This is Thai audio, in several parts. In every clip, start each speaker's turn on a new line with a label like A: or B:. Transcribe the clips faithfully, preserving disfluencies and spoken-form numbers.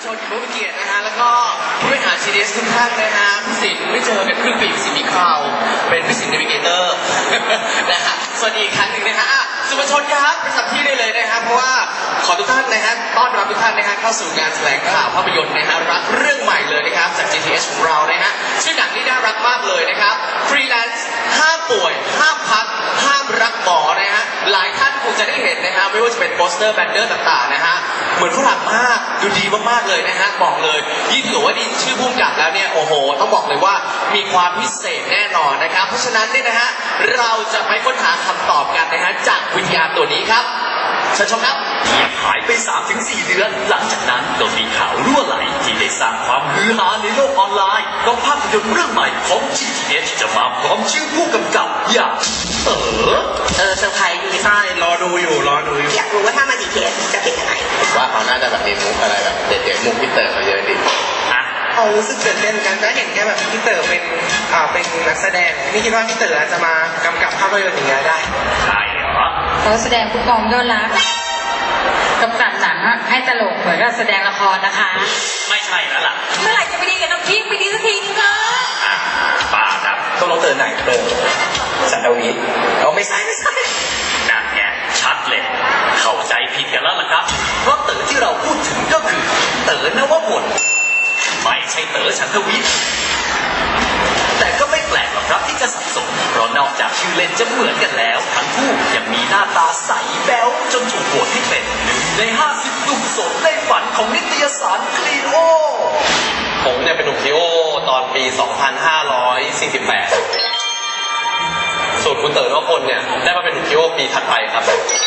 A: ชนผู้มีเกียรตินะฮะแล้วก็ผู้บริหาร จี ดี เอส ทุกท่านนะฮะพี่สินไม่เจอกันครึ่งปีสินมีคราวเป็นพี่สินเนวิเกเตอร์นะฮะสวัสดีอีกครั้งหนึ่งนะฮะสื่อมวลชนครับประจำที่ได้เลยนะฮะเพราะว่าขอทุกท่านนะฮะต้อนรับทุกท่านนะฮะเข้าสู่งานแถลงข่าวภาพยนตร์นะฮะรักเรื่องใหม่เลยนะครับจาก จี ที เอส ของเรานะฮะชื่อหนังนี่น่ารักมากเลยนะครับฟรีแลนซ์ห้ามป่วยห้ามพักห้ามรักหมอนะฮะหลายท่านคงจะได้เห็นนะฮะไม่ว่าจะเป็นโปสเตอร์แบนเนอร์ต่างๆนะฮะเหมือนฝรั่งมากดูดีมากๆเลยนะฮะบอกเลยยิ่งถือว่าดีชื่อพุ่มกับแล้วเนี่ยโอ้โหต้องบอกเลยว่ามีความพิเศษแน่นอนนะครับเพราะฉะนั้นเนี่ยนะฮะเราจะไปค้นหาคำตอบกันนะฮะจากวิญญาณตัวนี้ครับเชิญชมครับ
B: หายไป สามถึงสี่ เดือนหลังจากนั้นก็มีข่าวรั่วไหลที่ได้สร้างความฮือฮาในโลกออนไลน์ก็ภาพยนตร์เรื่องใหม่ของ จี ที เอส จะมาพร้อมชื่อผู้กำกับอย่างเต๋อ
C: เออเซอร์ไพรส์ดี
D: ใช่รอดูอยู่รอดูอยู่
C: อยากรู้ว่าถ้ามา จี ที เอส จะเป็นยังไง
A: ว่าเขาน่าจะแบบมีมุกอะไรแบบเด็ดๆมุกพี่เต๋อเขาเยอะดิ
B: อ่ะ
D: เอารู้สึกตื่นเต้นกันก็เห็นแค่แบบพี่เต๋อเป็นอ่าเป็นนักแสดงไม่คิดว่าพี่เต๋อจะมากำกับภาพยนตร์อย่างเงี้ยได้
B: ใช่เหรอ
E: เขาแสดงผู้กองยอดรักกำกับหนังให้ตลกเหมือนกับแสดงละครนะคะ
B: ไม่ใช่แล้วล่ะ
E: เมื่อไหร่จะไปดีกับน้องคิงไปดีสักทีนึงคะ
B: อ่ะป้าครับ
D: ต้องลงเต๋อไหนเต๋อสันดาวิเราไม่ใช่ไม่ใช่
B: นั่นไงชัดเลยเข้าใจผิดกันแล้วล่ะครับเพราะเต๋อที่เราพูดถึงก็คือเต๋อนวพลไม่ใช่เต๋อฉันทวิทย์แต่ก็ไม่แปลกหรอกครับที่จะสับสนเพราะนอกจากชื่อเล่นจะเหมือนกันแล้วทั้งคู่ยังมีหน้าตาใสแบ๊วจนถูกโหวตให้เป็นหนึ่งในห้าสิบหนุ่มโสดในฝันของนิตยสารคลีโอ
A: ผมเนี่ยเป็นหนุ่มคลีโอตอนปี สองพันห้าร้อยสี่สิบแปด ส่วนคุณเต๋อนวพลเนี่ยได้มาเป็นหนุ่มคลีโอปีถัดไปครับ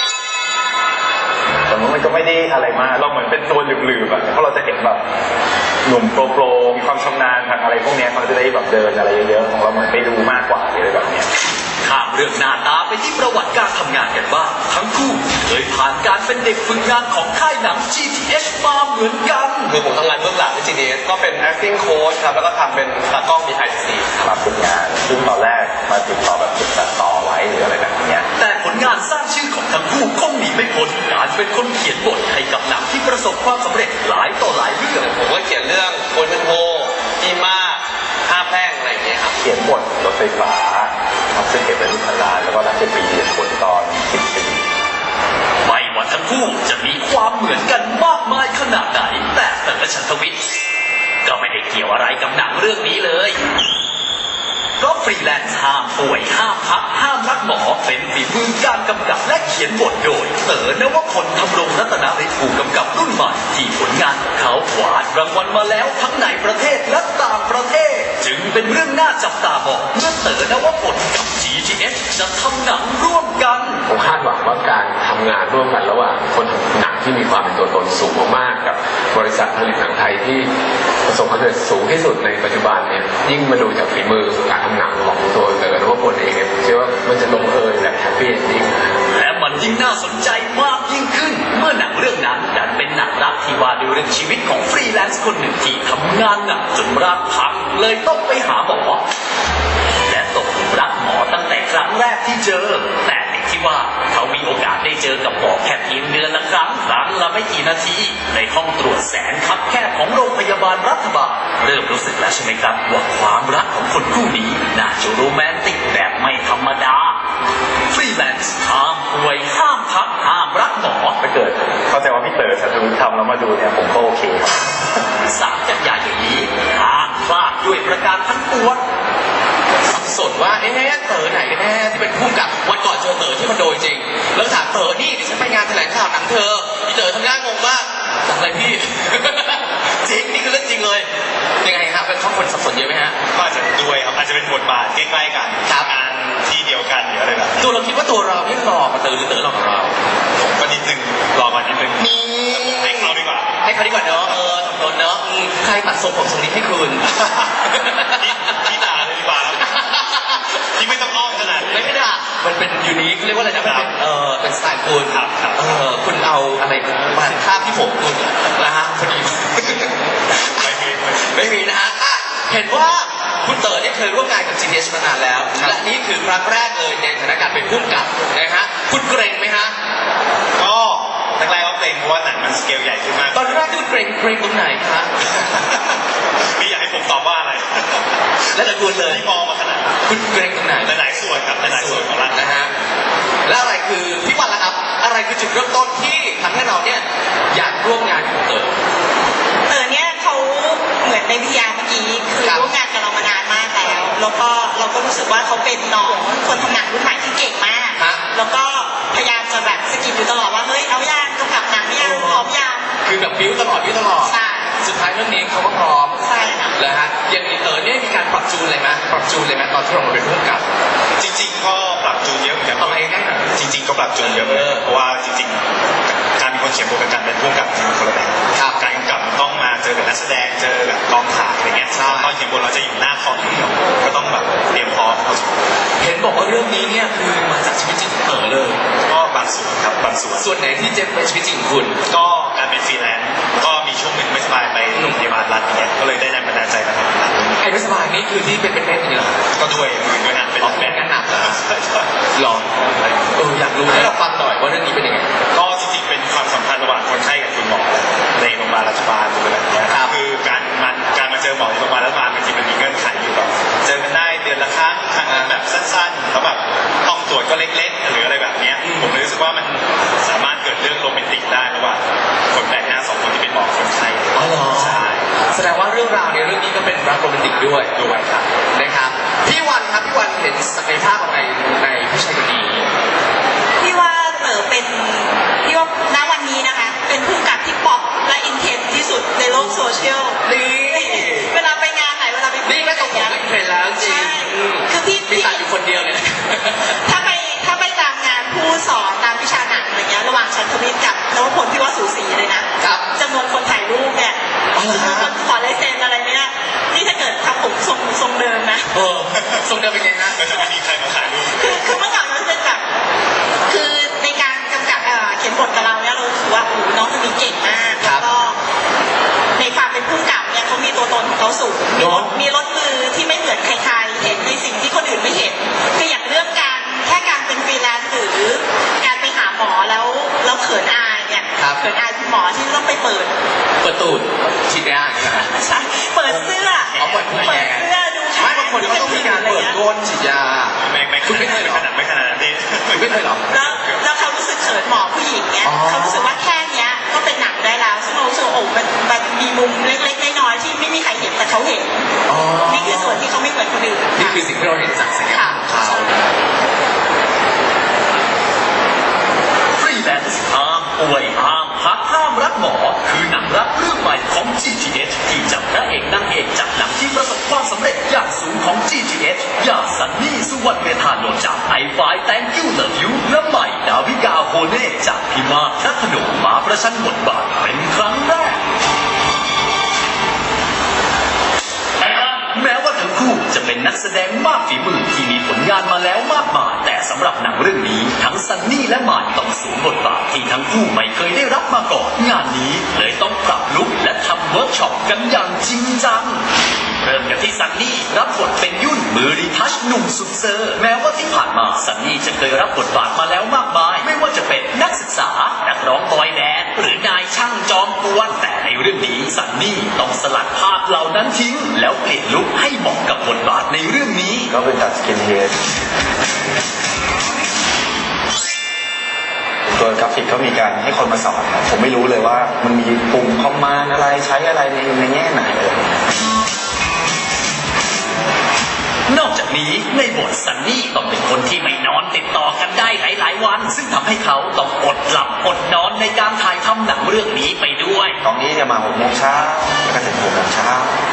F: แต่มันก็ไม่ได้อะไรมากเราเหมือนเป็นตัวหลืบๆอ่ะเพราะเราจะเห็นแบบหนุ่มโปรโปรมีความชำนาญทางอะไรพวกนี้เขาจะได้แบบเดินอะไรเยอะๆของเราเหมือนไปดูมากกว่าอะไรแบบนี้
B: ข้ามเรื่องหน้าตาไปที่ประวัติการทำงานกันบ้างทั้งคู่เคยผ่านการเป็นเด็กฝึกงานของค่ายหนัง จี ที เอส มาเหมือนกัน
A: คือผมทำงานเบื้องหลังใน จี ที เอส ก็เป็น acting coach ครับแล้วก็ทำเป็นตากล้อง behind the scene
F: รับฝึกงานซึ่งตอนแรกมาติดต่อแบบติดต่อไว้หรืออะไรแบบนี้
B: แต่ผลงานสร้างชื่อของทั้งคู่คงหนีไม่พ้นการเป็นคนเขียนบทให้กับหนังที่ประสบความสำเร็จหลายต่อหลายเรื่อง
A: ผมก็เขียนเรื่องโคนเป็นโฮอีมาห้าแพร่งอะไรอย่างเงี้ยครับ
F: เขียนบทรถไฟฟ้าทำซึ่งเก็บเป็นลูกพันล้านแล้วก็รับเป็นปีเรียนผลตอนสิบปี
B: ไม่ว่าทั้งคู่จะมีความเหมือนกันมากมายขนาดไหนแต่เต๋อฉันทวิทย์ก็ไม่ได้เกี่ยวอะไรกับหนังเรื่องนี้เลยเพราะฟรีแลนซ์ห้ามป่วยห้ามพักห้ามรักหมอเป็นฝีมือการกำกับและเขียนบทโดยเต๋อนวพลธำรงรัตนฤทธิ์ผู้กำกับรุ่นใหม่ที่ผลงานของเขากวาดรางวัลมาแล้วทั้งในประเทศและต่างประเทศจึงเป็นเรื่องน่าจับตามองเมื่อเต๋อนวพลกับ จี ที เอส จะทำหนังร่วมกัน
A: ผมคาดหวังว่าการทำงานร่วมกันระหว่างคนทำหนังที่มีความเป็นตัวตนสูงมากๆกับบริษัทผลิตหนังไทยที่ประสบความสำเร็จสูงที่สุดในปัจจุบันเนี่ยยิ่งมาดูจากฝีมือการทำหนังของตัวเต๋อนวพลเองเนี่ยผมเชื่อว่ามันจะลงเอยแบบแฮปปี้เอนดิ้ง
B: และมันยิ่งน่าสนใจมากยิ่งขึ้นเมื่อหนังเรื่องนั้นดันเป็นหนังรักที่ว่าด้วยเรื่องชีวิตของฟรีแลนซ์คนหนึ่งที่ทำงานหนักจนร่างพังเลยต้องไปหาหมอและตกหลุมรักหมอตั้งแต่ครั้งแรกที่เจอแต่ติดที่ว่าเขามีโอกาสได้เจอกับหมอแค่เพียงเดือนละครั้งครั้งละไม่กี่นาทีในห้องตรวจแสนคับแคบของโรงพยาบาลรัฐบาลเริ่มรู้สึกแล้วใช่ไหมครับว่าความรักของคนคู่นี้น่าจะโรแมนติกแบบไม่ธรรมดาฟรีแลนซ์ห้ามป่วยห้ามพักห้ามรักหมอ
F: ถ้าเกิดเข้าใจว่าพี่เต๋อฉันทวิทย์ทำแล้วมาดูเนี่ยผมก็โอเค
B: สามกันยายนนี้ห้ามพลาดด้วยประการทั้งปวง
A: สับสนว่าเอ๊ะเต๋อไหนกันแน่ที่เป็นผู้กับวันก่อนเจอเต๋อที่มันโดยจริงแล้วถามเต๋อนี่เดี๋ยวฉันไปงานแถลงข่าวหนังเธอพี่เต๋อทำหน้างงมากทำอะไรพี่จริงนี่คือเรื่องจริงเลยยังไงครับเป็นข้อคนสับสนเยอะไหมฮะ
D: ก็อาจจะด้วยครับอาจจะเป็นบทบาทใกล้ๆกัน
A: ครับ
D: งานที่เดียวกันหรืออะไรแบบ
A: ตัวเราคิดว่าตัวเราไม่หล่อกว่าเต๋อหรือเต๋อหล่อกว่าเรา
D: ผมก็นิดนึงรอมานิดนึง
A: มี
D: ให้เขาดีกว่า
A: ให้เขาดีกว่าเนาะเออทำนนเนาะใครตัดทรงผมทรงนี้ให้คุณ
D: พี่ด่าเลยดีกว่าที่ไม่ต้องอ้อมขนาด
A: ไม่ไม่ด่ามันเป็นยูนิคเรียกว่าอะไรนะมันเป็นเออเป็นสไตล์คุณเออคุณเอาอะไรมาคาบที่ผมคุณนะฮะพอดี
D: ไม่มี
A: ไม่มีนะฮะเห็นว่าคุณเต๋อเนี่ยเคยร่วมงานกับ จี ที เอส มานานแล้วและนี่คือครั้งแรกเลยในฐานะการเป็นผู้กำกับนะฮะคุณเกรงไหมฮะ
D: ก็แรกๆก็เกรงเพราะว่าหนังมันสเกลใหญ่ขึ้นมาก
A: ตอนแรกที่เกรงเกรงตรงไหนคะ
G: พี่อยากให้ผมตอบว่าอะไร
A: และตะกูลเลย
G: ที่มองมาขนาดนั้น
A: คุณเกรงตรงไหน
G: หลายๆส่วนครับหลายๆส่วนของร่างกาย
A: นะฮะแล้วอะไรคือพี่วันล่ะครับ อะไรคือจุดเริ่มต้นที่ทำให้เราเนี่ยอยากร่วมงานกับเต๋อ
C: เต๋อเนี่ยเขาเหมือนในพิยาเมื่อกี้คือ
A: ครับ
C: ร่วมงานกับเรามานานมากแล้ว แล้วก็เราก็รู้สึกว่าเขาเป็นน้องคนทำงานรุ่นใหม่ที่เก่งมาก
A: ฮะ
C: แล้วก็พยายามจะแบบสะกิดอยู่ตลอดว่าเฮ้ยเอายางกำกับหนังยังพร้อมยัง
A: คือแบบบิ้วตลอดบิ้วตลอด
C: ใช่
A: สุดท้ายเรื่องนี้เขาก็พร้อม
C: ใช่ค่ะ
A: แล้วฮะอย่างนี้เต๋อเนี่ยมีการปรับจูนอะไรไหมปรับจูนเลยไหมตอนที่เรามาเป็นผู้กำกับ
G: จริงๆก็ปรับจูนเยอะเหมือนกัน
A: เอาไปใกล้ๆหน่อย
G: จริง ๆ ก็ปรับจูนเยอะเหมือนกันเพราะว่าจริงๆการเป็นคนเขียนบทกับการเป็นผู้กำกับมันคนละแบบ
A: ครับ
G: การกำกับมันต้องมาเจอกับนักแสดงเจอกับกองถ่ายอะไรเงี้ย
A: ใช่
G: ตอนเขียนบทเราจะอยู่หน้าคอมอย่างเดียวก็ต้องแบบเตรียมพร้อมพอสมควร
A: เห็นบอกว่าเรื่องนี้เนี่ยคือมาจากชีวิตจริงของเต๋อเลย
G: ก็บางส่วนครับบางส่วน
A: ส่วนไหนที่เจ็บเป็นชีวิตจริงของคุณ
G: ก็การเป็นฟรีแลนซ์ก็มีช่วงหนึ่งไม่สบายไปโรงพยาบาลรัฐอย่างเงี้ยก็เลยได้แรงบันดาลใจมาทำหนัง
A: ไอ้ไม่สบายนี่คือที่เป็นเป็นเม็ดอย่างนี้เหรอ
G: ก็ด้วยด้วยงานเป็น
A: อ๋อเป็นงานหนักเหรอ หรอเอออยากรู้ให้เราฟังหน่อยว่าเรื่องนี้เป็นยังไง
G: ก็จริงๆเป็นความสัมพันธ์ระหว่างคนไข้กับคุณหมอในโรงพยาบาลรัฐบาลหรืออะไรอย่างเงี้ย
A: ครับ
G: คือการมาการมาเจอหมอในโรงพยาบาลรัฐบาลมันจริงมันมีเงื่อนไขอยู่แบบเจอกันได้เดือนละครั้งครั้งละแบบสั้นๆแล้วแบบห้องตรวจก็เล็กๆหรืออะไรแบบเนี้ยผมเลยรู้สึกว่ามันสามารถเกิดเรื่องโรแมนติกได้ระหว่างคนแปลกหน้าสองคนที่เป็นหมอคนไข้
A: อ๋อเหรอ
G: ใช่
A: แสดงว่าเรื่องราวในเรื่องนี้ก็เป็นรักโรแมนติกด้วย
G: ด้วยครับ
A: นะครับพี่วันครับพี่วันเห็นศักยภาพอะไรในผู้ชายคนนี้
C: พี่ว่าเต๋อเป็นพี่ว่าณวันนี้นะคะ เป็นผู้กำกับที่ป๊อปและอินเทนที่สุดในโลกโซเชียล
A: นี่
C: เวลาไปงานไหนเวลาไป
A: นี่ไม่ต้องผมเห็นแล้วจริง
C: ใช่
A: อืม
C: คือพี่
A: มี
C: พี่
A: ตัดอยู่คนเดียวเลยนะ
C: ถ้าไปถ้าไปตามงานผู้สอนตามวิชาหนังอะไรเงี้ยระหว่างชันทวิทย์กับนวพลพี่ว่าสูสีเลยนะครับ จำนวนคนถ่ายรูปเนี่ย
A: อ๋อเหรอ
C: จำนวนคนขอลายเซ็นอะไรเนี่ยนี่ถ้าเกิดทำผมทรงทรงเดิมนะ
A: เออทรงเดิมเป็นไงนะ
G: ก็จะไม่มีใครมาถ่ายรูป
C: คือคือเมื่อก่อนมันเป็นแบบคือในการกำกับเอ่อเขียนบทกับเราเนี่ยเรารู้สึกว่าโอ้โหน้องคนนี้เก่งมาก
A: ครั
C: แล้
A: บ
C: วก็ในความเป็นผู้กำกับเนี่ยเขามีตัวตนของเขาสูงมีรถมีรถมือที่ไม่เหมือนใครๆเห็นในสิ่งที่คนอื่นไม่เห็นคืออย่างเรื่องการแค่การเป็นฟรีแลนซ์หรือการไปหาหมอแล้วแล้วเขินอายเนี่ย
A: ครับ
C: เขินอายคุณหมอที่ต้องไปเปิด
A: เปิดตูดฉีดยาใช่ไหม
C: ใช่เปิดเสื้อ
A: เอาเปิดเสื้อ
C: เปิดเสื้อดู
A: ไม่บางคนเขาต้องมีการเปิดก้นฉีดยา
G: ไม่ไม่
A: คุณไม่เคยเหรอ
G: ขนาดไม่ขนาดนั้นพี่
A: คุณไม่เคยเหรอ
C: แล้วแล้วเขารู้สึกเขินหมอผู้หญิงเนี่ย
A: อ๋อ
C: เขารู้สึกว่าแค่เนี้ยก็เป็นหนังได้แล้วซึ่งเรารู้สึกว่าโอ้มันมันมีมุมเล็กๆน้อยๆที่ไม่มีใครเห็นแต่เขาเห็น
A: อ๋อ
C: นี่คือส่วนที่เขาไม่เหมือนคนอื่น
A: นี่คือสิ่งที่เราเห็นจากศักยภาพของเขา
B: ฟรีแลนซ์ห้ามป่วยห้ามพักห้ามรักหมอ คือหนังรักเรื่องใหม่ของ จี ที เอช ที่จับพระเอกนางเอกจากหนังที่ประสบความสำเร็จอย่างสูงของ จี ที เอช อย่างซันนี่สุวรรณเมธานนท์จากไอไฟ Thank You Love You และใหม่ดาวิกาโฮเน่จากพิมากทัพพนมมาประชันบทบาทเป็นครั้งแรก แม้ว่าทั้งคู่จะเป็นนักแสดงมากฝีมือที่มีผลงานมาแล้วมากมายแต่สำหรับหนังเรื่องนี้ทั้งซันนี่และหมายต้องสวมบทบาทที่ทั้งคู่ไม่เคยได้รับมาก่อนงานนี้เลยต้องปรับลุคและทำเวิร์กช็อปกันอย่างจริงจังเริ่มกันที่ซันนี่รับบทเป็นยุ่นมือรีทัชหนุ่มสุดเซอร์แม้ว่าที่ผ่านมาซันนี่จะเคยรับบทบาทมาแล้วมากมายไม่ว่าจะเป็นนักศึกษานักร้องบอยแบนด์หรือนายช่างจอมกวนแต่ในเรื่องนี้ซันนี่ต้องสลัดภาพเหล่านั้นทิ้งแล้วเปลี่ยนลุคให้เหมาะกับบทบาทในเรื่องนี้
F: ก็เป็นตัดสกินเฮดตัวกราฟิกเขามีการให้คนมาสอนครับผมไม่รู้เลยว่ามันมีปุ่มคอมมานด์อะไรใช้อะไรในในแง่ไหนอะไรอย่างเงี้ย
B: นอกจากนี้ในบทซันนี่ต้องเป็นคนที่ไม่นอนติดต่อกันได้หลายๆวัน ซึ่งทำให้เขาต้องอดหลับอดนอนในการถ่ายทำหนังเรื่องนี้ไปด้วย
F: ตอนนี้จะมาหกโมงเช้าแล้วก็ถึงหกโมงเช้า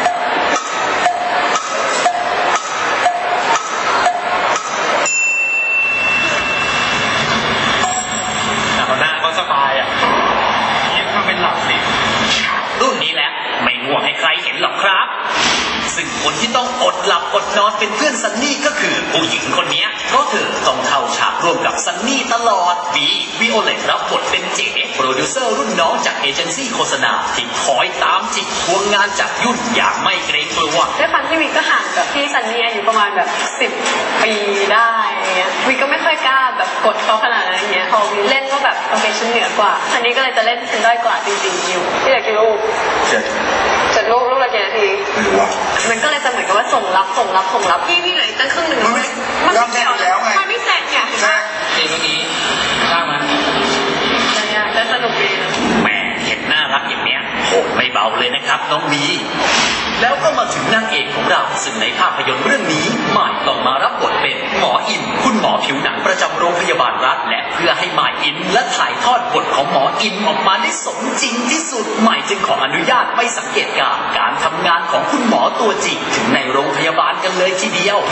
G: หน้าก็สบายอ่ะยิ่งถ้าเป็นหลับสิ
B: รุ่นนี้แหละไม่ง่วงให้ใครเห็นหรอกครับ ซึ่งคนที่ต้องอดหลับอดนอนเป็นเพื่อนซันนี่ก็คือผู้หญิงคนนี้เพราะเธอต้องเข้าฉากร่วมกับซันนี่ตลอดวีวิโอเลตรับบทเป็นเจ๋โปรดิวเซอร์รุ่นน้องจากเอเจนซี่โฆษณาที่คอยตามจิกทวงงานจากยุ่นอย่างไม่เกรงกลัว
H: ด้วยความที่วิกก็ห่างกับพี่ซันนี่อายุประมาณแบบสิบปีได้อย่างเงี้ยวิกก็ไม่ค่อยกล้าแบบกดเขาขนาดนั้นอย่างเงี้ยพอวิเล่นก็แบบโอเคฉันเหนือกว่าซันนี่ก็เลยจะเล่นฉันด้อยกว่าจริงๆอยู่ที่อยากคิดว่า
F: จ็ด
H: เจ็ดลูกลูกละกี่นาที
F: ไม่รู้ว่า
H: มันก็เลยจะเหมือนกับว่าส่งรับส่งรับส่งรับพี่พี่เหลืออีกตั้งครึ่งหนึ่ง
F: มันไม่
H: มัน
F: รอบแรกอยู่แล้วไง
H: มันไม่เสร็จไง
F: ใช่
A: นี่เมื่อกี้ข้างมา
H: แต่สนุกดีนะ
B: แม่เห็นน่ารักอย่างเนี้ยโหไม่เบาเลยนะครับน้องวีแล้วก็มาถึงนางเอกของเราซึ่งในภาพยนตร์เรื่องนี้ใหม่ต้องมารับบทเป็นหมออินคุณหมอผิวหนังประจำโรงพยาบาลรัฐและเพื่อให้ใหม่อินและถ่ายทอดบทของหมออินออกมาได้สมจริงที่สุดใหม่จึงขออนุญาตไม่สังเกตการณ์การทำงานของคุณหมอตัวจริงถึงในโรงพยาบาลกันเลยทีเดียว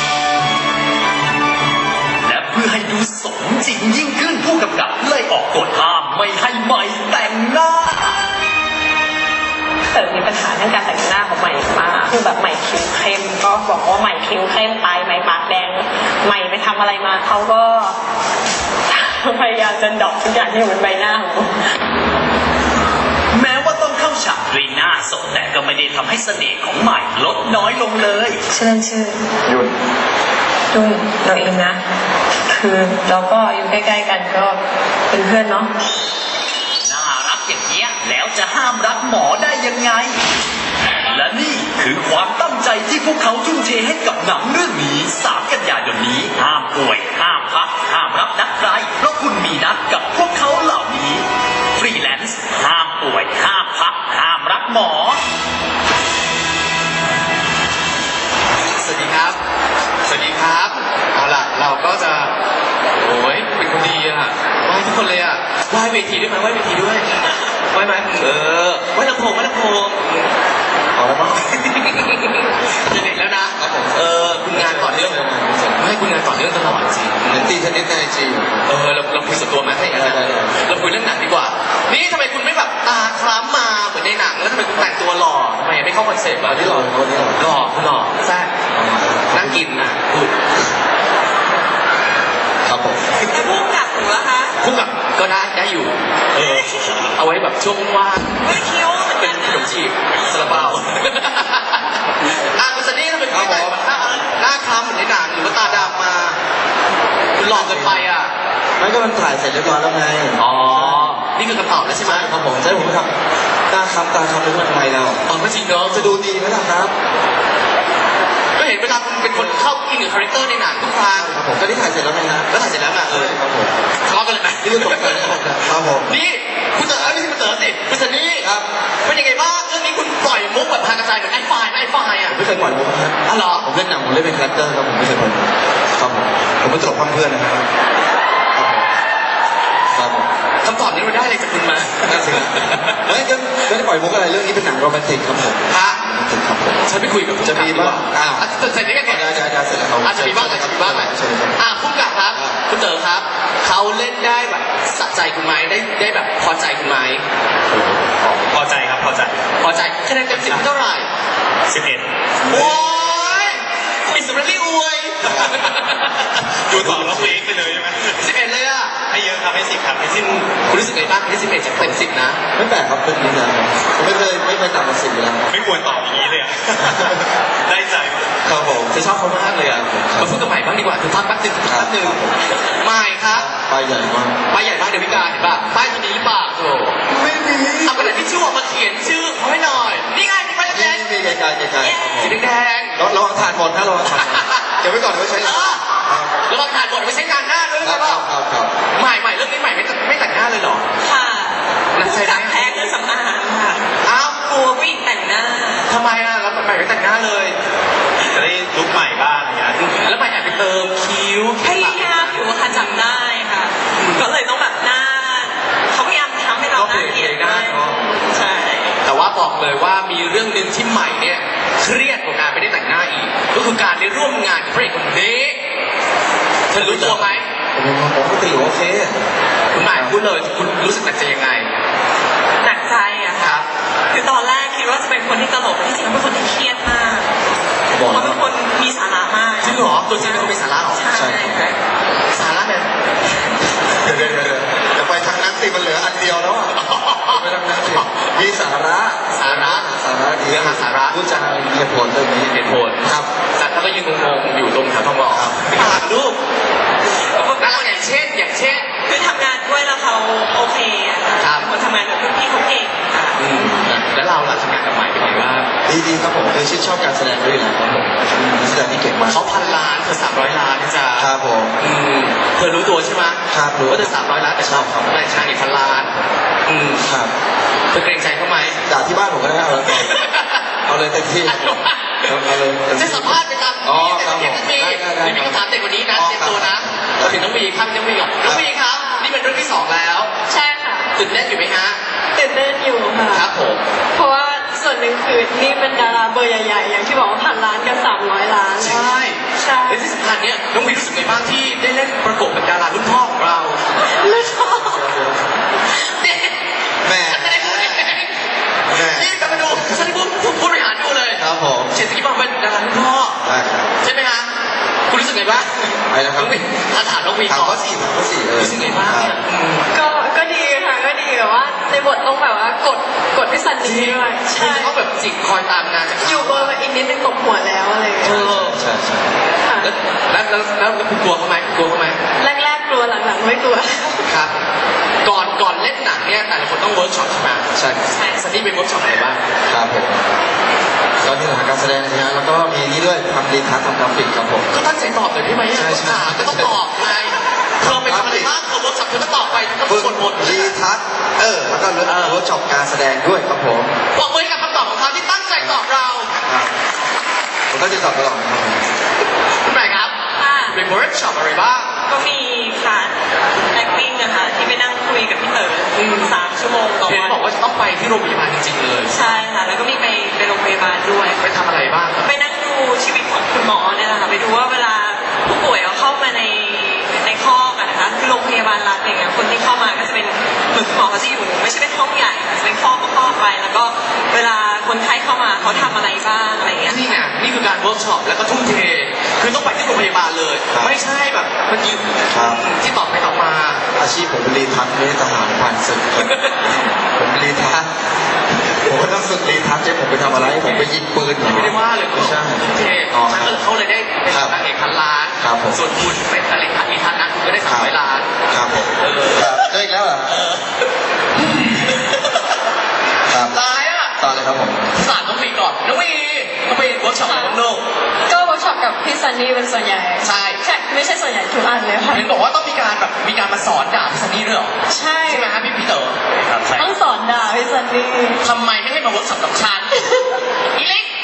B: และเพื่อให้ดูสมจริงยิ่งขึ้นผู้กำกับเลยออกกฎห้ามไม่ให้ใหม่แต่งหน้า
H: เต๋อมีปัญหาเรื่องการแต่งหน้าของใหม่มากคือแบบใหม่คิ้วเข้มก็บอกว่าใหม่คิ้วเข้มไปใหม่ปากแดงใหม่ไปทำอะไรมาเขาก็ พยายามจะดรอปทุกอย่างที่อยู่บนใบหน้าของผม
B: แม้ว่าต้องเข้าฉากด้วยหน้าสดแต่ก็ไม่ได้ทำให้เสน่ห์ของใหม่ลดน้อยลงเลย
H: ชื่อเล่นชื่อ
F: ยุ่น
H: ดุ้งเราเองนะ คือเราก็อยู่ใกล้ๆกันก็เป็นเพื่อนเนาะ
B: น่ารักอย่างเนี้ยแล้วจะห้ามรักหมอได้ยังไง และนี่คือความตั้งใจที่พวกเขาทุ่มเทให้กับหนังเรื่องนี้สามกันยายนนี้ห้ามป่วยห้ามพักห้ามรับนัดใครเพราะคุณมีนัดกับพวกเขาเหล่านี้ฟรีแลนซ์ห้ามป่วยห้ามพักห้ามรักหมอ
A: สวัสดีครับ สวัสดีครับ เอาล่ะ เราก็จะ โอ้ยเป็นคนดีอ่ะไหว้ทุกคนเลยอ่ะไหว้เวทีด้วยไหมไหว้เวทีด้วยไหว้ไหมเออไหว้ลำโพงไหว้ลำโพงเอาแล้วมั้งจะเด็กแล้วนะครับผมเออคุณงานต่อเนื่องไม่คุณงานต่อเนื่องตลอดจริง
D: เหมือนตีเทนนิสในไอจี
A: เออเราเราคุยส่วนตัวไหมให้กันนะเราคุยเรื่องหนังดีกว่า นี่ทำไมคุณไม่แบบตาคล้ำมาเหมือนในหนังแล้วทำไมคุณแต่งตัวหล่อทำไมไม่เข้าคอนเซ็ปต์อ่ะ
D: ที่หล่อเขาที่หล่อ
A: หล่อคุณหล่อแซ่บนั่งกินนะพูด
D: ครับผม
C: แต่พุ่งกลับหนูละคะ
A: คู่กับก็ได้ได้อยู่ เออ เอาไว้แบบช่วงว่าง
C: ไม่คิ้วเหมือน
A: เป็
C: กัน น
A: ข
C: นะ
A: นมจีบซาลาเปาอ่ะคุณซันนี่ทำไมคุณไม่แต่งหน้าหน้าคล้ำเหมือนในหนังหรือว่าตาดำมา คุณหลอกเกินไปอ่ะ
D: ไม่ก็มันถ่ายเสร็จเรียบร้อยแล้วไง
A: อ๋อ นี่คือคำตอบแล้วใช่ไหม
D: ใช่ครับผมใช่ผมทำตาคำตาคำเป็นทำไมเรา
A: อ๋อไม่จริงเนาะ
D: จะดูดีไหมล่ะครับ
A: ก็เห็นเวลาคุณเป็นคนเข้าอินกับคาแรคเตอร์ในหนังทุกครั้ง
D: ครับผมก็ที่ถ่ายเสร็จแล้วไงฮะ
A: แล้วถ่ายเสร็จแล้วอ่ะเออ
D: ครับผม
A: ทะเลาะกันเลยไหม
D: นี่คือตกใจครับผม
A: นี่คุณเต๋อไม่ใช่คุณเต๋อสิคุณซันนี่ครับเป็นยังไงบ้างเรื่องนี้คุณปล่อยมุกแบบพากระจายเหมือนไอ้ไฟล์ไอ้ไฟล์อ่ะ
D: ผมไม่เคยปล่อยมุกนะครับ
A: อ๋อเหรอ
D: ผมเล่นหนังผมเล่นเป็นคาแรคเตอร์ครับผมไม่เคยปล่อยมุกครับผมผมเป็นตลกพังเพื่อนนะครับครับผม
A: คำตอบนี้เราได้อะไรจากคุณมา
D: นั่นสิครับเฮ้ยก็ไม่ได้ปล่อยมุกอะไรเรื่องนี้เป็นหนังโรแมนติกครับผม
A: ฮะ
D: โรแมนติกครับผม
A: ฉันไปคุยกับ
D: จะมีบ้างอ้าว
A: อ่ะจะเสร็จได้ยังไง
D: ได้ได้ได้เสร็จแล้วครับ
A: อาจจะมีบ้างอาจจะมีบ้างแหละ
D: เชิญครับ
A: อ่ะคุณกับครับ คุณเต๋อครับ เขาเล่นได้แบบสะใจคุณไหมได้ได้แบบพอใจคุณไหม
G: พอใจครับพอใจ
A: พอใจคะแนนเต็มสิบเท่าไหร่
G: สิบเอ็ด
A: โอ้ยอิสราเอลอวย
G: ดูต่อแล้วเพลงไปเลยใช่ไหม
A: สิบเอ็ดเลยอ่ะ
G: ให้เยอะครับให้สิบครับให้สิ
A: สิ
G: บบ
A: คุณรู้สึกไงบ้างที่สิบเอ็ดจากเต็มสิบนะ
D: ไม่แปลกครับเรื่องนี้นะครับผมไม่เคยไม่เคยต่ำกว่าสิบอยู่แล้ว
G: ไม่ควรตอบอย่างนี้เลยอะ ได้ใจมาก
D: ครับผม
A: จะชอบเขามากเลยอ่ะมาพูดกับใหม่บ้างดีกว่าคือพักแป๊บนึงพักแป๊บนึงใหม่ครับ
D: ไปใหญ่มาก
A: ป้ายใหญ่มากเดวิกาเห็นป่ะป้ายตัวนี้ป่ะโถ
D: ไม่มี
A: เอากระดาษทิชชู่ออกมาเขียนชื่อเขาให้หน่อย นี่ไงมีป้าย
D: นี่
A: แดง
D: มีไกลๆไกลๆครับผม
A: ๆสีแดง
D: ระระวังทานหมดนะระวังทานหมดเก็บไว้ก่อนเดี๋ยวไว้ใช้
A: ๆ
D: หลั
A: เอง อแล้วบางถ่ายบทไปใช้งานหน้าด้วย
D: ค
A: ใช่
D: รับ
A: ป่ะ
D: ครับครับ
A: ใหม่ใหม่เรื่องนี้ใหม่ไม่ไม่แต่งหน้าเลยเหรอ
C: ค่ะ
A: นักใช้ได้
C: แพ้เครื่องสำอางค่ะ
A: อ้าว
C: กลัวผู้หญิงแต่งหน้า
A: ทำไมอ่ะแล้วใหม่ไม่แต่งหน้าเลย
G: จะได้ลุกใหม่บ้างอย่างเงี้ย
A: แล้วใหม่แอบไปเติมคิ้ว
C: พยายามอยู่ค่ะจำได้ค่ะ ก็เลยต้องแบบหน้าเขาพยายามทำให้เราหน้าเกลียดมากใช่
A: แต่ว่าบอกเลยว่ามีเรื่องหนึ่งที่ใหม่เนี่ยเครียดกว่าการไม่ได้แต่งหน้าอีก ก็คือการได้ร่วมงานกับพระเอกคนนี้เธอรู้ตัวไหม
D: ผมผมปกติโอเค
A: คุณใหม่พูดเลยคุณรู้สึกหนักใจยังไง
C: หนักใจอะ
A: ค
C: ค่ะ
A: รับ
C: คือตอนแรกคิดว่าจะเป็นคนที่ตลกแต่ที่จริงแล้วเป็นคนที่เครียดมาก
D: บอก
C: เขา
D: แล้
C: เป็
D: วน
C: คนมีสาระมาก
A: จริงเหรอตัวจริงเป็นคนมีสาระเหรอ
C: ใช่ค่ะ
A: สาระเนี่ย
D: เดี๋ยวเดี๋ยวเดี๋ยวอย่าไปทางนั้นสิมันเหลืออันเดียวแล้วอ่ะไปทางนั้นสิมีสาระ
A: สาระ
D: สาระดี
A: เรื่องหาสาระ
D: พูดจามีเหตุผลเรื่องนี้
A: เหตุผล
D: ครับ
A: แต่ถ้าก็ยืนงงๆอยู่ตรงแถวทองหล่อ
D: ครับ
A: อ่านรูปแล้วอย่างเช่นอย่างเช่น
C: คือทำงานด้วยแล้วเขาโอเคอะค่ะ
A: ครับ
C: เป็นคนทำงานกับพี่เขาเก่งค่ะ
A: อืมแล้วเราล่ะ
I: ยชื่นชอบการแสดงด้วยอยู่แล้วครับผมนักแสดงที่เก่งมาก
A: เขาพันล้านเธอสามร้อยล้านนะจ๊ะ
I: ครับผม
A: อืมเธอรู้ตัวใช่ไหม
I: ครับรู้
A: ว่าเธอสามร้อยล้านแต่ชอบ
I: ครับ
A: แรงชายอีกพันล้านอืม
I: ครับ
A: เธอเกรงใจเขาไหม
I: ด่าที่บ้านผมก็ได้เอาเลยเอาเลยเต็มที่เอาเลยเต็ม
A: จะ
I: ที่
A: สัมภาษณ์ไปตาม
I: อ๋อ
A: แต่
I: ครับ
A: เพียงนาที
I: ได้ได้ได้
A: มีคำถามเด็กกว่านี้นะ
I: อ๋อ
A: เตรียมตัวนะ
I: ครับ
A: มาถึงน้องวีครับน้องวีก่อนน้องวีครับ นี่เป็นเรื่องที่สองแล้ว
H: ใช่ค่ะ
A: ตื่นเต้นอยู่ไหมฮะ
H: ตื่นเต้นอยู่ค่ะ
A: ครับผม
H: เพราะว่าส่วนหนึ่งคือนี่เป็นดาราเบอร์ใหญ่ๆ อย่างที่บอกว่าพันล้านกับสามร้อยล้าน
A: ใช่
H: ใช่
A: และที่สำคัญเนี่ยน้องวีรู้สึกไงบ้างที่ได้เล่นประกบกับดารารุ่นพ่อของเรา
H: ไม่ชอบ
A: เนี่ย
I: แม่
A: ฉันไม่ได้พูดเอง
I: แม่
A: นี่กลับมาดูฉันได้พูดพูดผู้บริหารดูเลย
I: ครับผม
A: เฉดสกิปบอกเป็นดารารุ่นพ่อ
I: ได้ครับ
A: ใช่ไหมฮะคุณรู้สึกไงบ้าง
I: อะไรนะครับ
A: น้องวีถ้าถามน้องวี
I: ถาม
A: ก่อน
I: ว่าสี่ถามว่าสี่เออ
A: รู้สึกไงบ้างเนี่ยอืม
H: ก็ก็ดีค่ะ ก็ดีแบบว่าในบทต้องแบบว่ากดกดพี่ซันนี่ด้วย
A: คุ
H: ใช่
A: ณจะต้องแบบจิกคอยตามงานจาก
H: อยู่เบอร์มาอีกนิดนึงตกหัวแล้วอะไรอย่าง
A: เอ
H: เงี้ย
A: อ
I: ใช่ใช่
H: ค่ะ
A: แล้วแล้วแล้วแล้วคุณกลัวเขาไหมกลัวเขาไหม
H: แรกๆกลัวหลังๆไม่กลัว
A: ครับ ก่อนก่อนเล่นหนังเนี่ยแต่ละคนต้องเวิร์กช็อปใช่ไหม
I: ใช่
H: ใช่
A: ซันนี่เป็นเวิร์กช็อปอะไรบ้าง
I: ครับผมก็ที่หาการแสดงนะฮะแล้วก็มีนี่ด้วยทำรีทัชทำกราฟิกครับผม
A: ก็ตั้งใจตอบเลยได้ไหม
I: ใช่ใช่
A: ถามก็ต้องตอบไงเธอไปทำอะไรบ้างเธอเวิร์กช็อปเธอก็ตอบไปเธอก็
I: ฝึก
A: สวดมนต์
I: รีทัชเออแล้วก็เวิร์กช็อปการแสดงด้วยครับผม
A: บอกมือให้กับคำตอบของเขาที่ตั้งใจตอบเรา
I: ครับผมก็จะตอบตลอดนะครับผม
A: คุณใหม่ครับ
H: ค่ะ
A: เป็นเวิร์กช็อปอะไรบ้าง
H: ก็มีค่ะ acting นะคะที่ไปนั่งคุยกับพี่เต๋ออ
A: ม
H: สามชั่วโมงต่อ
A: เห็น
H: วัน
A: บอกว่าจะต้องไปที่โรงพยาบาลจริงๆเลย
H: ใช่ค่ะ แล้วก็มีไปไปโรงพยาบาลด้วย
A: ไปทำอะไรบ้างครับ
H: ไปนั่งดูชีวิตของคุณหมอเนี่ยนะคะไปดูว่าเวลาผู้ป่วยเอาเข้ามาในในคอกอะนะคะคือโรงพยาบาลรัฐอย่างเงี้ยคนที่เข้ามาก็จะเป็นเหมือนคุณหมอเขาจะอยู่ไม่ใช่เป็นห้องใหญ่ค่ะจะเป็นคอกก็คอกไป แล้วก็เวลาคนไข้เข้ามาเขาทำอะไรบ้างอะไรอย่างเงี้ย
A: นี่ไงนี่คือการเวิร์กช็อปแล้วก็ทุ่มเท คือต้องไปที่โรงพยาบาลเลย ไม่ใช่แบบมันยืนที่ตอบไปตอบมา
I: อาชีพผมเป็นรีทัชไม่ได้ทหารผ่านศึกครับผมรีทัชผมก็ต้องฝึกรีทัชจะผมไปทำอะไรผมไปยิงปืนเหรอ
A: ไม่ได้ว่าเลย
I: ไม่ใช่
A: ทุ่มเท
I: อ๋อ
A: ฉันก็เขาเลยได้เป็น
I: ครับ
A: นางเอกพันล้าน
I: ครับผม
A: ส่วนคุณเป็นตะลิงพันมีทันนะคุณก็ได้สามร้อยล้าน
I: ครับผม
A: เออ
I: ครับเจออีกแล้วเหรอ
A: เออ
I: ครับ
A: ตายอ่ะ
I: ต่อเลยครับผม
A: สารน้องวีก่อนน้องวีน้องวีเวิร์กช็อปอะไรบ้างลูก
H: ก็เวิร์กช็อปกับพี่ซันนี่เป็นส่วนใหญ่
A: ใช่
H: ใช่ไม่ใช่ส่วนใหญ่ทุกอันเลยค่ะ
A: เห็นบอกว่าต้องมีการแบบมีการมาสอนด่าพี่ซันนี่ด้วยเหรอ
H: ใช่
A: ใช่ไหมฮะพี่พี่เต๋อ
G: ครับใช่
H: ต้องสอนด่าพี่ซันนี่
A: ทำไมไม่ให้มาเวิร์กช็อปกับฉันอีลิก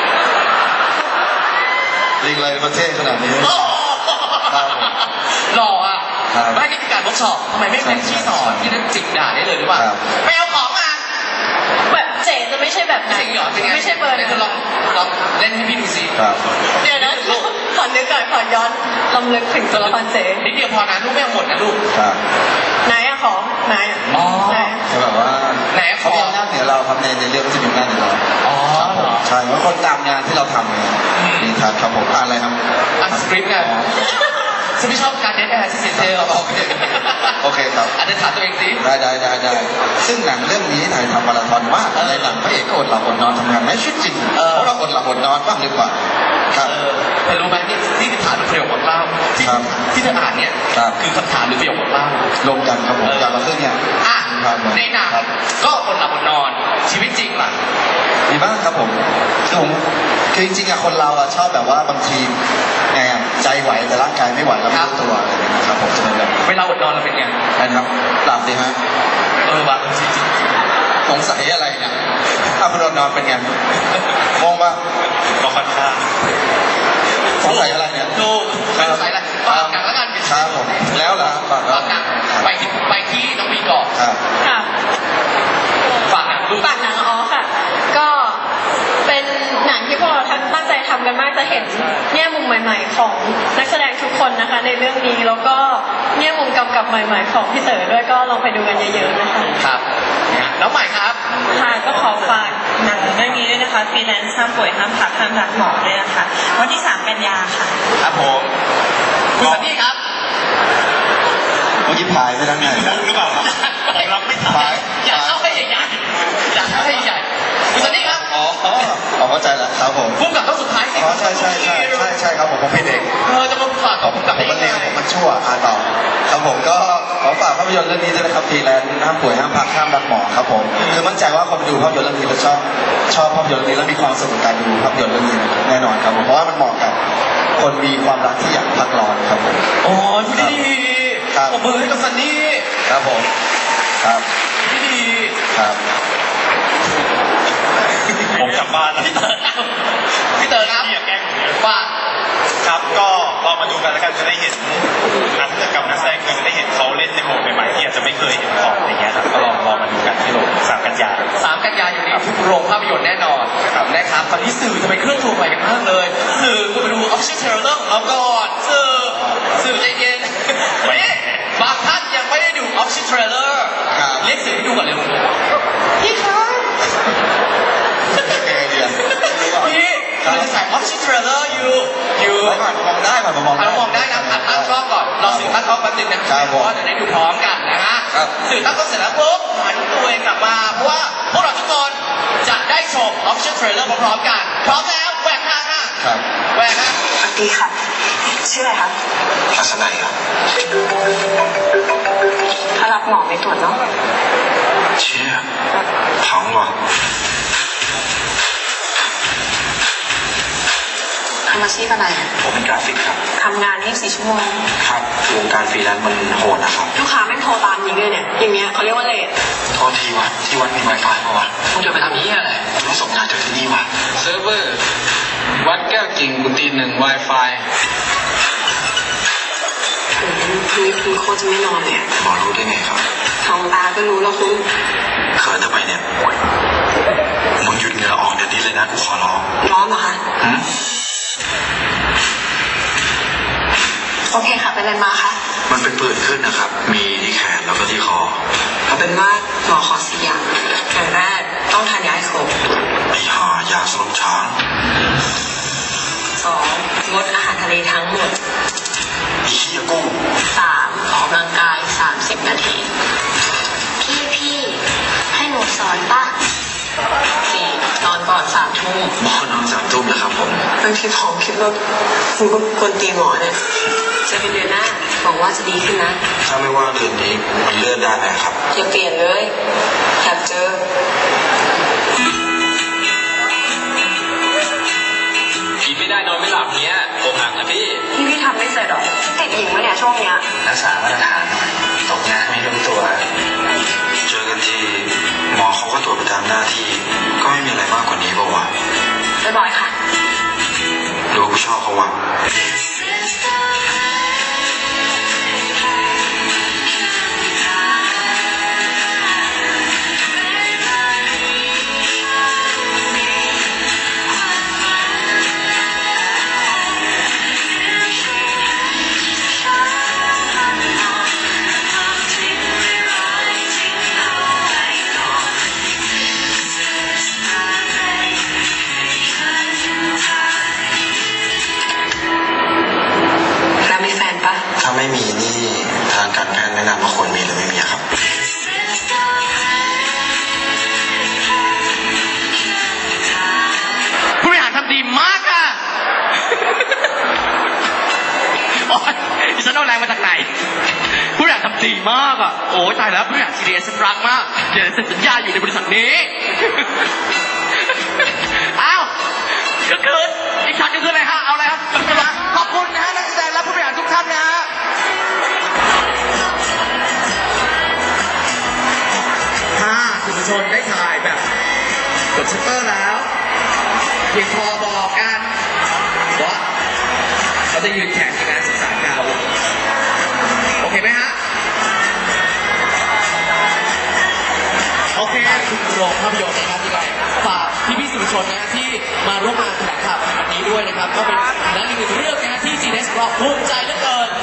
I: ลิงอะไรประเทศขนาดนี้
A: โอ้
I: ครับผม
A: หล่ออ่ะ
I: ครับ
A: ไม่นี่คือการเวิร์กช็อปทำไมไม่เป็นที่สอนที่นั่นจิกด่าได้เลยหรือเปล่า
I: ครับ
A: ไปเอาของมา
H: แบบเจ๋จะไม่ใช่แบบนั้น
A: จริงเหรอเป็นไง
H: ไม่ใช่เบอร์
A: ไหน
H: นั้น
A: เธอลองลองเล่นให้พี่ดูสิ
I: ครับ
H: เดี๋ยวนะขอนึกก่อนขอย้อนลำลึกถึงตัวละครเจ๋
A: นิดเดียวพอนะลูกไม่เอาหมดนะลูก
I: ครับ
H: ไหนอะของไหนอะ
A: อ๋อ
H: ไหน
I: คือแบบว่า
A: ไหนข
I: เขา
A: อ
I: มีอำนาจเหนือเราครับในในเรื่องที่มีอำนาจเหนือเรา
A: อ๋อเหรอ
I: ใช่เพราะคนตามงานที่เราทำไงรีทัชครับผมอ่านอะไรครับ
A: อ่านสคริปต์ไงฉันไม่ชอบการเดทแอร์ที่เสียเทล
I: โอเคโอเคครับ
A: อาจจะถามตัวเองสิ
I: ได้ได้ได้ได้ซึ่งหนังเรื่องนี้ถ่ายทำมาราธอนมากในหนังพระเอกก็อดหลับอดนอนทำงานไม่ชีวิตจริงเพราะเราอดหลับอดนอนบ้างหรือเปล่าครับ
A: เออแต่รู้ไหมนี่นี่คือถามหรือประโยคบทเล่าที่
I: ครับ
A: ที่เธออ่านเนี่ย
I: ครับ
A: คือคำถามหรือประโยคบทเล่า
I: รวมกันครับผมอย่างละครึ่งเนี่ย
A: อ่ะ
I: ครับผม
A: ในหนัง
I: ครับ
A: ก็อดหลับอดนอนชีวิตจริงล่ะ
I: มีบ้างครับผมคือผมคือจริงๆอะคนเราอะชอบแบบว่าบางทีไงอะใจไหวแต่ร่างกายไม่ไหวแล้วไม่รู้ตัวอะไรอย่างเงี้ยครับผมจะเป็นแบบ
A: เวลาอดนอนเราเป็นไง
I: นะครับหลับดีฮะ
A: เออวะจริงจริง
I: สงสัยอะไรเนี่ยถ้าคุณนอนเป็นไงมองว่า
G: ก็ค่อนข้าง
I: สงสัยอะไรเนี่ย
A: ดูไม่สงสัยอะไรฝากหนังแล้วกัน
I: ครับผมแล้วเหรอฝาก
A: ฝากหนังไปที่ไปที่น้องวีก่อน
I: ครับ
H: ค่ะ
A: ฝากหนังดู
H: ฝากหนังอ๋อค่ะ ก็เป็นหนังที่พวกเราตั้งใจทำกันมากจะเห็นแง่มุมใหม่ ๆ ของนักแสดงทุกคนนะคะ ในเรื่องนี้แล้วก็แง่มุมกำกับใหม่ ๆ ของพี่เต๋อด้วยก็ลองไปดูกันเยอะๆนะคะ
A: ครับนะน้องใหม่ครับ
J: ค่ะก็ขอฝากหนังเรื่องนี้ด้วยนะคะฟรีแลนซ์ห้ามป่วยห้ามพักห้ามรักหมอด้วยนะคะวันที่สามกันยาค่ะ
A: ครับผมคุณสันนี่ครับ
I: เมื่อกี้พายไปทางไหน
G: มุกหรือเปล่าครับผมรับไม่ทัน
I: พาย
A: อยากเข้าให้ใหญ่ๆอยากเข้าให้ใหญ่คุณสันนี่ครับ
I: อ๋ออ๋อเข้าใจแล้วครับผม
A: พุ่งกับต้องสุดท้ายสิ
I: อ๋อใช่ใช่ใช่ใช่ใช่ครับผมผมเป็นเอง
A: เออจะมาฝากกับพุ่งกับ
I: ผ
A: ได้
I: มมัน
A: ยัง
I: เร็ว
A: ไง
I: ผมมันชั่วอ่าต่อครับผมก็ขอฝากภาพยนตร์เรื่องนี้ด้วยนะครับฟรีแลนซ์ห้ามป่วยห้ามพักห้ามรักหมอครับผมคือมั่นใจว่าคนดูภาพยนตร์เรื่องนี้จะชอบชอบภาพยนตร์เรื่องนี้และมีความสุขกับการดูภาพยนตร์เรื่องนี้แน่นอนครับผมเพราะว่ามันเหมาะกับคนมีความรักที่อยากพักร้อนครับผม
A: โอ้ยพูดดี
I: ครับ
A: ๆปรบมือให้กับซันนี่
I: ครับผมครับ
A: พูดดี
I: ครับ
G: ผมกลับบ้านแล้ว
A: พี่เต๋อพี่เต๋อครับ
G: พี่อย่าแกล้งผมเยอะ
A: ฝาก
G: ครับก็ลองมาดูกันแล้วกันจะได้เห็นนักกับนักแสดงคือจะได้เห็นเขาเล่นในโหมดใหม่ๆที่อาจจะไม่เคยเห็นก่อนอะไรเงี้ยครับก็ลองลองมาดูกันที่โรงสามกันยา
A: สามกันยายนนี้ทุกโรงภาพยนตร์แน่นอนนะครับตอนนี้สื่อทำไมเครื่องถูกไปกันมากเลย สื่อคุณไปดู official trailer ของเราก่อนสื่อสื่อใจเย็นนี่บางท่านยังไม่ได้ดู official trailer
I: ครับ
A: เรียกสื่อให้ดูก่อนเร็วพี่ครับ
I: ยังไงดีอะ
A: พี่เราจะถ่าย official trailer อยู่อยู่
I: ผ่านมองได้ผ่านมามอง
A: ผ่านมองได้นะผ่านตั้งกล้องก่อนเราสื่อตั้งกล้องแป๊บนึงนะครับ
I: ผม
A: เพราะว่าจะได้ดูพร้อมกันนะฮะ
I: ครับ
A: สื่อตั้งกล้องเสร็จแล้วปุ๊บหันตัวเองกลับมาเพราะว่าพวกเราทุกคนจะได้ชม official trailer พร้อมๆกันพร้อมแล้วแหวกทางค่ะ
I: ครับ
A: แหวกฮะ
C: สวัสดีค่ะ ชื่ออะไรคะ
I: ทัศนัยครับ
C: ถ้ารับหมอไปตรวจเนาะ
I: เชี่ยพังว่ะ
C: ทำอาชีพอะไรอะ
I: ผมเป็นกราฟิกครับ
C: ทำงานยี่สิบสี่ชั่วโมง
I: ครับวงการฟรีแลนซ์มันโหดนะครับ
C: ลูกค้าแม่งโทรตามยิงเลยเนี่ย อย่างเงี้ยเขาเรียกว่าเลท
I: โทษทีวะที่วัดมีไวไฟปะวะ
A: มึงจะไปทำนี้อะไร
I: ต้องส่งงานจากที่นี่วะ
A: เซิร์ฟเวอร์วัดแก้วกิ่งกุฏิหนึ่ง Wi-Fi
C: คืนนี้คุณโคตรจะไม่นอนเลยอะ
I: หมอรู้ได้ไงครับ
C: ท้องตาก็รู้แล้วคุณ
I: เขินทำไมเนี่ยมึงหยุดเหงื่อออกเดี๋ยวนี้เลยนะกูขอร้อง
C: ร้อนเหรอคะ
I: หืม
C: โอเคค่ะ เป็นอะไรมาคะ
I: มันเป็นปืนขึ้นนะครับ มีที่แขนแล้วก็ที่คอ
C: เอาเป็นว่าหมอขอสี่อย่างอย่างแรกต้องทานยาให้ครบ
I: ไอ้ห่ายาสลบช้าง
C: สองงดอาหารทะเลทั้งหมด
I: ไอ้เหี้ยกุ้ง
C: สามออกกำลังกายสามสิบนาที พี่พี่ให้หนูสอนป่ะสี่นอนก่อนสามทุ่ม
I: หมอนอนสามทุ่มนะครับผม
C: บางทีผมคิดว่าคุณก็ควรตีหมอเนี่ยเจะเป็นเดือนหน้าหวังว่าจะดีขึ้นนะ
I: ถ้าไม่ว่าคืนนี้มันเลื่อนได้ไหมครับ
C: อย่าเปลี่ยนเลยอยากเจอ
A: กินไม่ได้นอนไม่หลับเนี้ยโกหักนะพี่
C: พี่พี่ทำไม่เสร็จหรอติดหญิงวะเนี่ยช่วงเนี้ย
I: รักษามาตรฐานหน่อยตกงานไม่รู้ตัว เจอกันทีหมอเขาก็ตรวจประจำหน้าที่ ก็ไม่มีอะไรมากกว่านี้ป่าวะ
C: บ่อยๆค่ะ
I: หรือว่ากูชอบเขาวะ
C: แล้วมีแฟนปะ
I: ถ้าไม่มีนี่ทางการแพทย์แนะนำว่าควรมีหรือไม่มีอะครับ
A: ผู้บริหารทำดีมากค่ะ โอ๊ยดิฉันเอาแรงมาจากไหน ผู้บริหารทำดีมากอ่ะ โอ้ยตายแล้วผู้บริหารซีเรียสรักมาก เดี๋ยวเซ็นสัญญาอยู่ในบริษัทนี้ อ้าวก็คืออีกช็อตก็คืออะไรฮะ เอาอะไรครับขอบคุณนะฮะนักแสดงและผู้บริหารทุกท่านนะฮะ ถ้าสื่อมวลชนได้ถ่ายแบบกดชัตเตอร์แล้ว เพียงพอบอกกันว่าเขาจะยืนแข่งในงานศึกษาเก่าโอเคไหมฮะ โอเคคุณโรงภาพยนตร์นะครับที่ไรฝากพี่พี่ๆสื่อมวลชนนะฮะที่มาร่วมงานแถลงข่าวในวันนี้ด้วยนะครับ ก็เป็นและอีกหนึ่งเรื่องนะฮะที่ จี เอส เราภูมิใจเหลือเกิน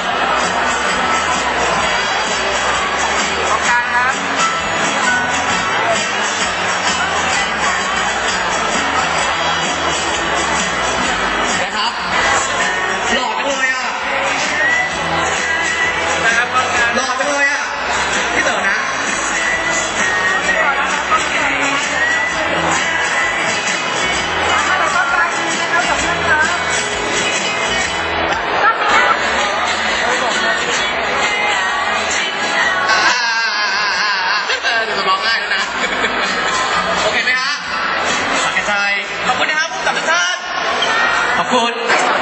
A: นะครับหล่อจังเลยอ่ะหล่อจังเลยอ่ะพี่เต๋อนะขอบคุณนะครับผู้กำกับทุกท่านขอบคุณ